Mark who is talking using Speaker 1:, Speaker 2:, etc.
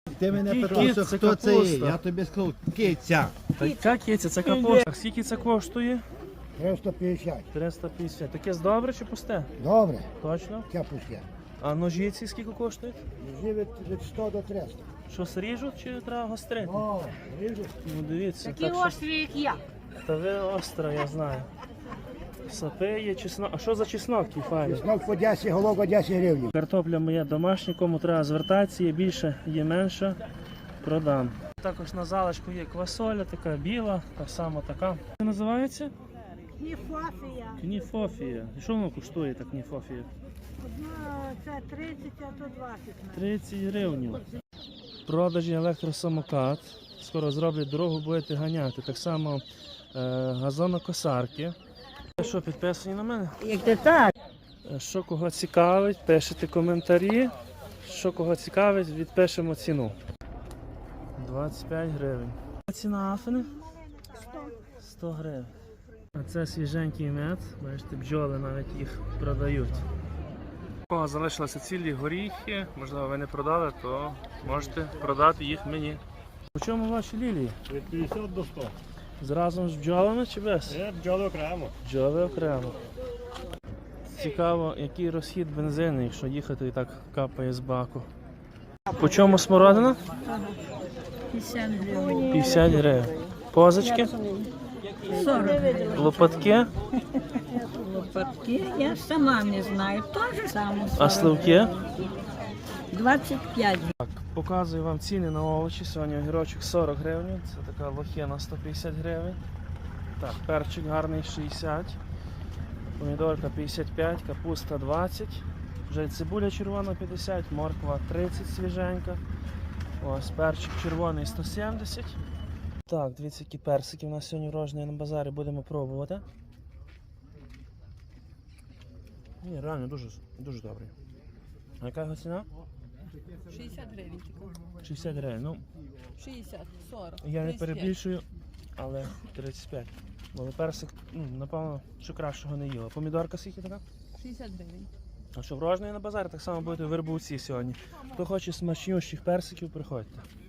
Speaker 1: Ти мене
Speaker 2: Який
Speaker 1: питався,
Speaker 2: кіт? Це
Speaker 1: хто це є.
Speaker 2: капуста.
Speaker 1: Я тобі сказав, киця.
Speaker 2: Та яка киця? Це капуста. Скільки це коштує?
Speaker 3: 350.
Speaker 2: 350. Таке добре чи пусте?
Speaker 3: Добре,
Speaker 2: Точно?
Speaker 3: це пусте.
Speaker 2: А ножі ці скільки коштують?
Speaker 3: Ножі від 100 до 300.
Speaker 2: Щось ріжуть чи треба гострити?
Speaker 3: О, ріжу.
Speaker 2: Ну дивіться.
Speaker 4: Такі
Speaker 2: Так що...
Speaker 4: острі, як я.
Speaker 2: Та ви остра, я знаю. Сапи є, чеснок. А що за чеснок такий файний?
Speaker 3: Чеснок по 10, голова 10 гривень.
Speaker 2: Картопля моя домашня, кому треба звертатися, є більше, є менше, продам. Також на залишку є квасоля, така біла, так само така. Це називається?
Speaker 4: Кніфофія.
Speaker 2: Кніфофія. І що воно коштує, так кніфофія?
Speaker 4: Одна це 30, а то 20.
Speaker 2: 30 гривень. В продажі електросамокат. Скоро зроблять дорогу, будете ганяти. Так само газонокосарки. Що, підписані на мене?
Speaker 4: Як ти так?
Speaker 2: Що кого цікавить, пишете коментарі. Що кого цікавить, відпишемо ціну. 25 гривень. Ціна афини? 100 гривень. А це свіженький мед. Бачите, бджоли навіть їх продають. О, залишилися цілі горіхи. Можливо, ви не продали, то можете продати їх мені. У чому ваші лілії?
Speaker 5: Від 50 до 100.
Speaker 2: Зразу з бджолами чи без?
Speaker 5: Є бджоли окремо.
Speaker 2: Бджоли окремо. Цікаво, який розхід бензину, якщо їхати і так капає з баку. По чому смородина?
Speaker 4: 50 гривень.
Speaker 2: 50 гривень. Позички?
Speaker 4: 40.
Speaker 2: Лопатки?
Speaker 4: Лопатки я сама не знаю. Теж саме.
Speaker 2: А сливки?
Speaker 4: 25.
Speaker 2: Так, показую вам ціни на овочі. Сьогодні огірочок 40 гривень. Це така лохина 150 гривень. Так, перчик гарний 60. Помідорка 55, капуста 20. Вже цибуля червона 50, морква 30 свіженька. Ось перчик червоний 170. Так, дивіться, які персики у нас сьогодні врожені на базарі, будемо пробувати. Ні, реально дуже добрий. А яка його ціна?
Speaker 6: 60 гривень тільки.
Speaker 2: 60 гривень. Ну,
Speaker 6: 60, 40.
Speaker 2: я не
Speaker 6: 35.
Speaker 2: перебільшую, але 35. Бо персик, напевно, що кращого не їла. Помідорка скільки така?
Speaker 6: 60 гривень.
Speaker 2: А що врожений на базарі, так само будете в Вербовці сьогодні. Хто хоче смачнющих персиків, приходьте.